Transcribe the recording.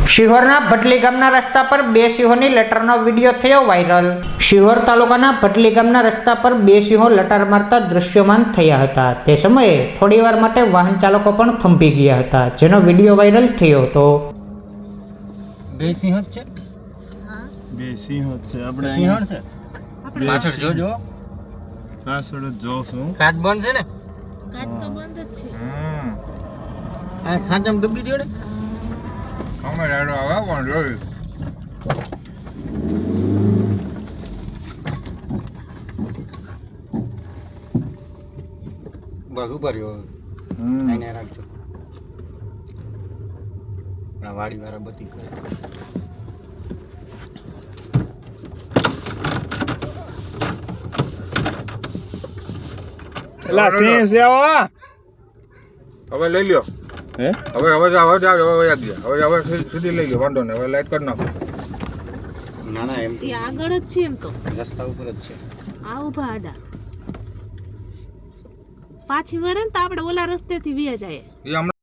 શિહોરના ભટલી ગામના રસ્તા પર બે સિંહોની લટારનો વિડીયો થયો વાયરલ। શિહોર તાલુકાના ભટલી ગામના રસ્તા પર બે સિંહો લટાર મારતા દૃશ્યમાન થયા હતા। તે સમયે થોડીવાર માટે વાહન ચાલકો પણ થંભી ગયા હતા, જેનો વિડીયો વાયરલ થયો હતો। બે સિંહ છે, બે સિંહો છે આપણે સિંહ છે પાછળ જોજો, પાછળ જોશું। કાચ બંધ છે ને? કાચ તો બંધ જ છે। આ ખાંચમ ડૂબી ગયો ને? અમે રાડો આવા પણ જોયું બસ ઉપર રહ્યો, આને રાખજો, આ વાડી વાળા બધી કરે। એલા સિંહ છે હવે લઈ લ્યો। હે હવે સીધી લઈ લ્યો, વાંધો નહીં। હવે લાઈટ કરી નાખો। ના ના એમ તે આગળ જ છે, એમ તો રસ્તા ઉપર જ છે। આ ઉભા આડા પાછી વરે ને તો આપણે ઓલા રસ્તેથી વ્યા જાય। એ